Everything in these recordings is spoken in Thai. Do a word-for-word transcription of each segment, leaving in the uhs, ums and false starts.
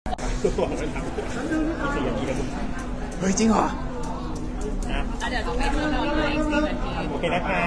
ตัวมันทำสี่นาทีนะเฮ้ยจริงเหรอนะเดี๋ยวต้องมีเพื่อนเราด้วยอีกสี่นาทีโอเคนะคะ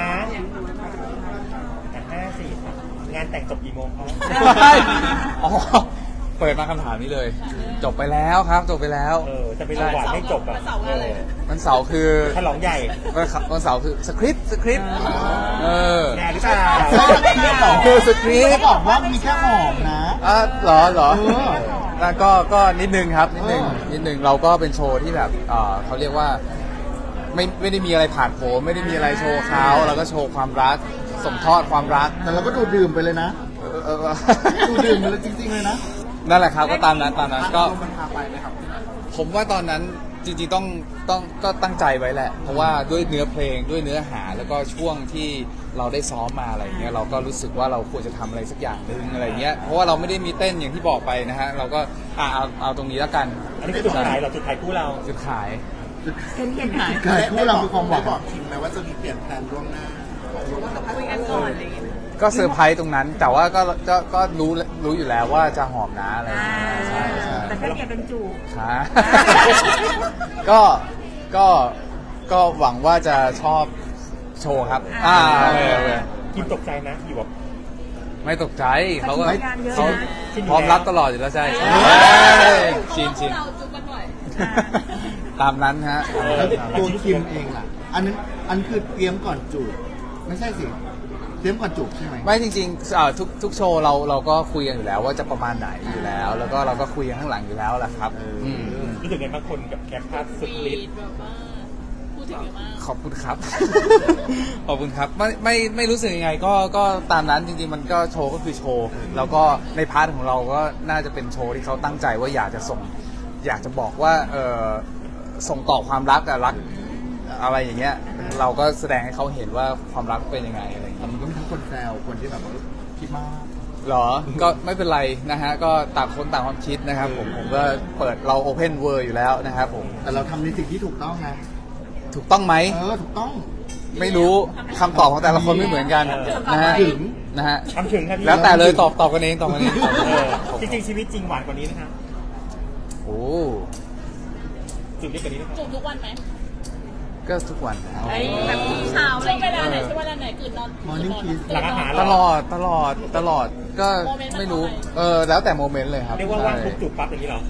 ห้าสี่งานแต่งจบกี่โมงครับอ๋อเปิดมาคำถามนี้เลย จบไปแล้วครับจบไปแล้วเออจะไปรหวานไม่จบอ่ะวันเสาร์คือฉลองใหญ่วันเสาร์คือสคริปต์สคริปต์เออแน่หรือเปล่าคือสคริปเขาต์บอกว่ามีแค่หอมนะอ่ะเหรอเหรอเออแล้วก็ก็นิดนึงครับนิดนึงเออนิดนึงเราก็เป็นโชว์ที่แบบเอ่อเขาเรียกว่าไม่ไม่ได้มีอะไรผ่านโผล่ไม่ได้มีอะไรโชว์เขาเราก็โชว์ความรักส่งทอดความรักแต่เราก็ดูดื่มไปเลยนะเออเออเออดูดื่มไปเลยจริงๆเลยนะนั่นแหละครับก็ตามนั้นตามนั้นก็มันพาไปไหมครับผมว่าตอนนั้นจริงๆต้องต้องก็ตั้งใจไว้แหละ เพราะว่าด้วยเนื้อเพลงด้วยเนื้อหาแล้วก็ช่วงที่เราได้ซ้อมมาอะไรเงี้ยเราก็รู้สึกว่าเราควรจะทำอะไรสักอย่างหนึ่งอะไรเงี้ยเพราะว่าเราไม่ได้มีเต้นอย่างที่บอกไปนะฮะเราก็อ่ะเอาเอาตรงนี้แล้วกันอันนี้คือจุดขายเหราจุดขายคู่เราจุดขายเห็นเห็นหายเกิดคู่เราคือความหวังบอกคิมไหมว่าจะมีเปลี่ยนแผนล่วงหน้าคุยกันก่อนอะไรอย่างเงี้ยก็เซอร์ไพรส์ตรงนั้น แต่ว่าก็ก็ก็รู้รู้อยู่แล้วว่าจะหอมนะอะไรอย่างเงี้ยใช่ใช่แต่แค่เปลี่ยนเป็นจูบค่ะ ก็ก็ก็หวังว่าจะชอบโชว์ครับอ่าโอเคโอเคคิมตกใจนะอยู่แบบไม่ตกใจเขาก็งานเยอะเขานะพร้อมรับตลอดอยู่แล้วใช่ใช่ชินชินเราจูบกันบ่อยตามนั้นฮะแล้วตัวคิมเองล่ะ อันนั้นอันคือเตรียมก่อนจูบไม่ใช่สิ เตรียมก่อนจูบใช่ไหมไม่จริงๆอ่าทุกทุกโชว์เราเราก็คุยกันอยู่แล้วว่าจะประมาณไหนอยู่แล้ว แล้วก็เราก็คุยกันข้างหลังอยู่แล้วแหละครับอืมรู้สึกไงบางคนกับแคปภาพสุดฤทธิ์แบบว่าพูดถึงเยอะมากขอบคุณครับ ขอบคุณครับไม่ไม่ไม่รู้สึกยังไงก็ก็ตามนั้นจริงๆมันก็โชว์ก็คือโชว์แล้วก็ในพาร์ทของเราก็น่าจะเป็นโชว์ที่เขาตั้งใจว่าอยากจะส่ง อยากจะบอกว่าเออส่งต่อความรักอะรักอะไรอย่างเงี้ยเราก็แสดงให้เขาเห็นว่าความรักเป็นยังไงอะไรอย่างเงี้ยมันก็มีทั้งคนแซวคนที่แบบว่าคิดมากหรอ ก็ไม่เป็นไรนะฮะก็ต่างคนต่างความคิดนะครับผมผมก็เปิดเราโอเพนเวิร์อยู่แล้วนะครับผมแต่เราทำในสิ่งที่ถูกต้องนะถูกต้องไหมเออ ถูกต้องไม่รู้คำตอบของแต่ละคนไม่เหมือนกันนะฮะถึงนะฮะทำถึงครับพี่แล้วแต่เลยตอบตอบกันเองตอบกันเองเออจริงๆชีวิตจริงหวานกว่านี้นะครับโอ้จุดเล็กกว่านี้นะครับจูบทุกวันไหมก็ทุกวันไอ้แบบเช้าช่วงเวลาไหนช่วงเวลาไหนตื่นนอน Morning kiss หลังอาหารตเราลอดตลอดตลอดก็ไม่รู้เออแล้วแต่โมเมนต์เลยครับเรียกว่าว่างปุ๊บจูบปั๊บอย่างนี้เหรอ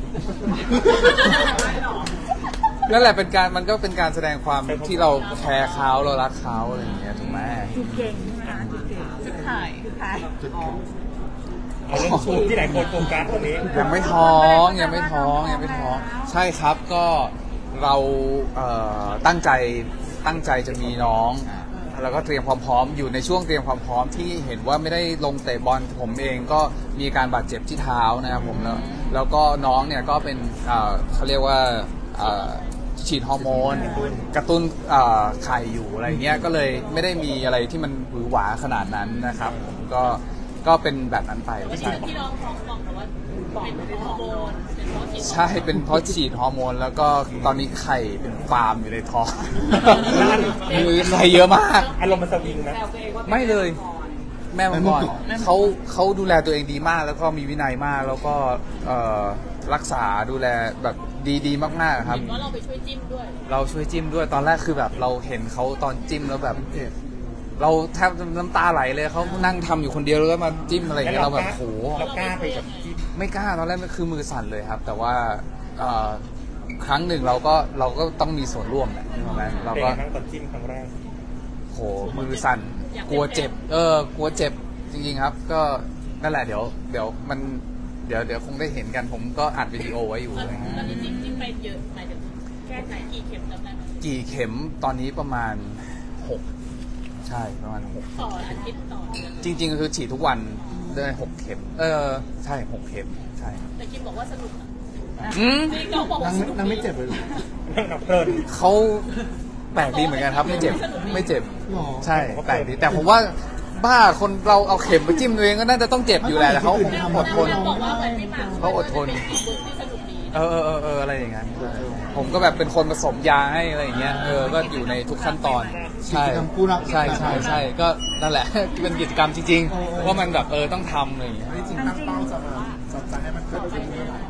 นั่นแหละเป็นการมันก็เป็นการแสดงความที่เราแคร์เขาเรารักเขาอะไรอย่างเงี้ยถูกไหมจูบเก่งใช่ไหมคะจูบเก่งจุดขายจุดขายจุดแข็งเอาเรื่องชูที่ไหนคนโฟกัสตรงนี้ยังไม่ท้องยังไม่ท้องยังไม่ท้องใช่ครับก็เราเอ่อตั้งใจตั้งใจจะมีน้อง แล้วก็เตรียมความพร้อมอยู่ในช่วงเตรียมความพร้อมที่เห็นว่าไม่ได้ลงเตะบอลผมเองก็มีการบาดเจ็บที่เท้านะครับผมแล้วแล้วก็น้องเนี่ยก็เป็นเอ่อเขาเรียกว่าเอ่อฉีดฮอร์โมนกระตุ้นเอ่อไข่อยู่อะไรเงี้ยก็เลยไม่ได้มีอะไรที่มันหวือหวาขนาดนั้นนะครับผมก็ก็เป็นแบบนั้นไปวันใช่นี้ที่น้องท้องบอกแต่ว่าเป็นฮอร์โมนเป็นเพราะฉีดใช่เป็นเพราะฉีดฮอร์โมน แล้วก็ตอนนี้ไข่เป็นฟาร์มอยู่ในท้องมืออะไรเยอะมากอารมณ์มันสวิงนะไม่เลย แม่มังกรเขาเขาดูแลตัวเองดีมาก แล้วก็มีวินัยมาก แล้วก็เอ่อรักษาดูแลแบบดีๆ มากๆครับเห็นว่าเราไปช่วยจิ้มด้วยเราช่วยจิ้มด้วยตอนแรกคือแบบเราเห็นเขาตอนจิ้มแล้วแบบเราแทบน้ำตาไหลเลยเขานั่งทำอยู่คนเดียวแล้วก็มาจิ้มอะไรอย่างเงี้ยเราแบบโหเรากล้าไปกับจิ๊บไม่กล้าตอนแรกมันคือมือสั่นเลยครับ แต่ว่าเอ่อครั้งหนึ่งเราก็เราก็ต้องมีส่วนร่วมแหละใช่ไหมเราเป็นก็ครั้งตอนจิ้มครั้งแรกโหมือสั่นกลัวเจ็บ เออกลัวเจ็บจริงๆครับ ก็นั่นแหละเดี๋ยวเดี๋ยวมันเดี๋ยวเดี๋ยวคงได้เห็นกันผมก็อัดวิดีโอไว้อยู่ตอนอะไรเงี้ยนี้จิ้มจิ้มไปเยอะหมายถึงแค่ไหนกี่เข็มจำได้ไหมกี่เข็มตอนนี้ประมาณหกใช่ประมาณหกต่ออาทิตย์ต่อเดือนจริงๆคือฉีดทุกวันได้หกเข็ม เออใช่หกเข็มใช่แต่คิมบอกว่าสนุกนะอืมจริงน้องบอกนาว่าง สไม่นุกนางไม่เจ็บเลยเหรอนั่งนับเพลินเขาแปลกดีเหมือนกันครับ ไม่เจ็บไม่เจ็บหรอใช่แปลกดีแต่ผมว่าบ้าคนเราเอาเข็มไปจิ้มตัวเองก็น่าจะต้องเจ็บอยู่แหละแต่เขาคงอดทนน้องบอกว่าเหมือนพี่หมากเขาอดทนเป็นอีกบุญที่สนุกดีเออเออเออเอออะไรอย่างเงี้ยผมก็แบบเป็นคนผสมยาให้อะไรอย่างเงี้ยเออก็อยู่ในทุกขั้นตอนใช่กิจกรรมคู่รักใช่ใช่ใช่ก็นั่นแหละ เป็นกิจกรรมจริงๆว่ามันแบบเออต้องทำอะไรอย่างเงี้ยที่จริงตั้งเป้าจะมาจะจะให้มันเกิดขึ้นเมื่อไหร่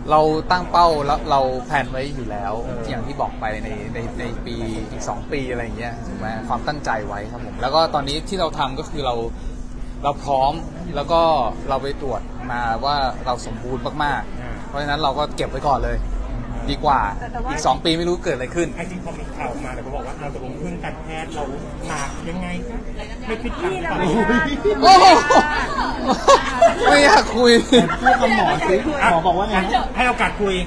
เราตั้งเป้าแล้วเราแผนไว้อยู่แล้ว อย่างที่บอกไปในในในปีอีกสองปีอะไรอย่างเงี้ยถูกไหมความตั้งใจไว้ครับผมแล้วก็ตอนนี้ที่เราทำก็คือเราเราพร้อมแล้วก็เราไปตรวจมาว่าเราสมบูรณ์มากๆเพราะฉะนั้นเราก็เก็บไว้ก่อนเลย ดีกว่าอีกสองปีไม่รู้เกิดอะไรขึ้นไอ้จริงพอมีข่าวออกมาแต่เขาบอกว่าเราตกลงพึ่งการแพทย์เราหนักยังไงคะไม่คิดตังค์เปล่าโอ้โหไม่อยากคุยพูดกับหมอสิหมอบอกว่าไงให้โอกาสคุย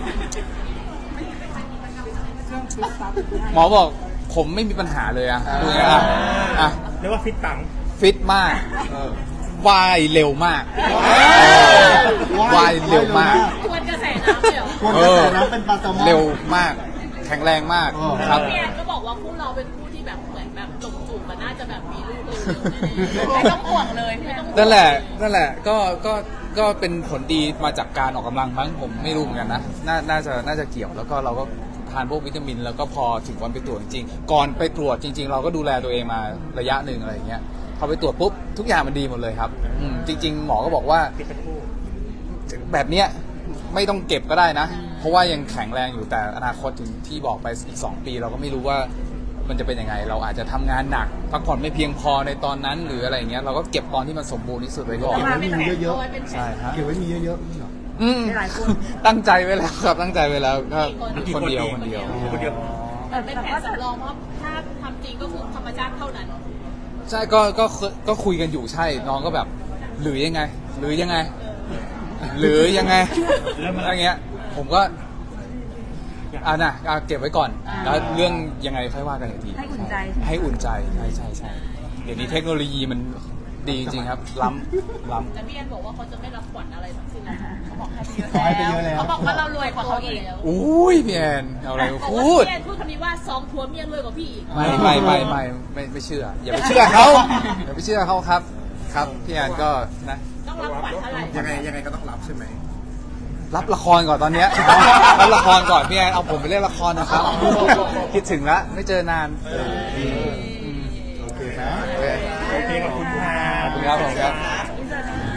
หมอบอกผมไม่มีปัญหาเลยอะคุยอ่ะอ่ะเรียกว่าฟิตตังค์ฟิตมากว่ายเร็วมากว่ายเร็วมากทวนกระแสน้ำเลยเหรอคนกระแสน้ำเป็นปลาแซลมอนเร็วมาก แข็งแรงมากครับพี่แอนก็บอกว่าคู่เราเป็นคู่ที่แบบเหมือนแบบจบจูบมันน่าจะแบบมีลูกเลยไม่ต้องห่วงเลยไม่ต้องห่วงนั่นแหละนั่นแหละก็ก็ก็เป็นผลดีมาจากการออกกำลังมั้งผมไม่รู้เหมือนกันนะน่าน่าจะน่าจะเกี่ยวแล้วก็เราก็ทานพวกวิตามิน แล้วก็พอถึงวันไปตรวจจริงๆก่อนไปตรวจจริง ๆ เราก็ดูแลตัวเองมาระยะหนึ่งอะไรอย่างเงี้ยพอไปตรวจปุ๊บทุกอย่างมันดีหมดเลยครับอืมจริง ๆ หมอก็บอกว่าฟิตเป็นคู่แบบเนี้ยไม่ต้องเก็บก็ได้นะ เพราะว่ายังแข็งแรงอยู่แต่อนาคตถึงที่บอกไปอีกสองปี เราก็ไม่รู้ว่ามันจะเป็นยังไง เราอาจจะทำงานหนักพักผ่อนไม่เพียงพอในตอนนั้นหรืออะไรเงี้ยเราก็เก็บตอนที่มันสมบูรณ์ที่สุดไว้ก่อนเก็บไว้มีเยอะเอาไว้เป็นแผใช่นครับๆเก็บไว้มีเยอะๆนี่เหรออืมตั้งใจไว้แล้วครับตั้งใจไว้แล้วก็คนเดียวคนเดียวคนเดียวแต่เป็นแผนสำรองเพราะถ้าทำจริงก็คือธรรมชาติเท่านั้นใช่ก็ก็ก็คุยกันอยู่ใช่น้องก็แบบหรือยังไง หรือยังไง หรือยังไงอะไรเงี้ย ผมก็อ่านะอ่ะเก็บไว้ก่อนแล้วเรื่องยังไงค่อยว่ากันอีกทีให้อุ่นใจให้อุ่นใจใช่ใช่ใช่เดี๋ยวนี้เทคโนโลยีมันดีจริงๆครับ ล้ำล้ำแต่พี่แอนบอกว่าเขาจะไม่รับขวัญอะไรทั้งสิ้นนะคะเขาบอกให้ไปเยอะขอให้ไปเยอะแล้วเขาบอกว่าเรารวยกว่าเขาอีกอุ้ยพี่แอนเอาอะไรมาบอกพูว่าดพี่แอนพูดคำนี้ว่าซองทัวร์เมียรวยกว่าพี่อีกไม่ไม่ไม่ไม่ไม่ไม่เชื่อ อย่าไปเชื่อเขาอย่าไปเชื่อเขาครับ ครับพี่แอนก็นะต้องรับขวัญเท่าไหร่ยังไงยังไงก็ต้องรับใช่ไหมรับละครก่อนตอนเนี้ย รับละครก่อนพี่แอนเอาผมไปเล่นละครนะครับ คิดถึงแล้วไม่เจอนานโอเคนะโอเคโอเคขอบคุณค่ะขอบคุณครับผมครับ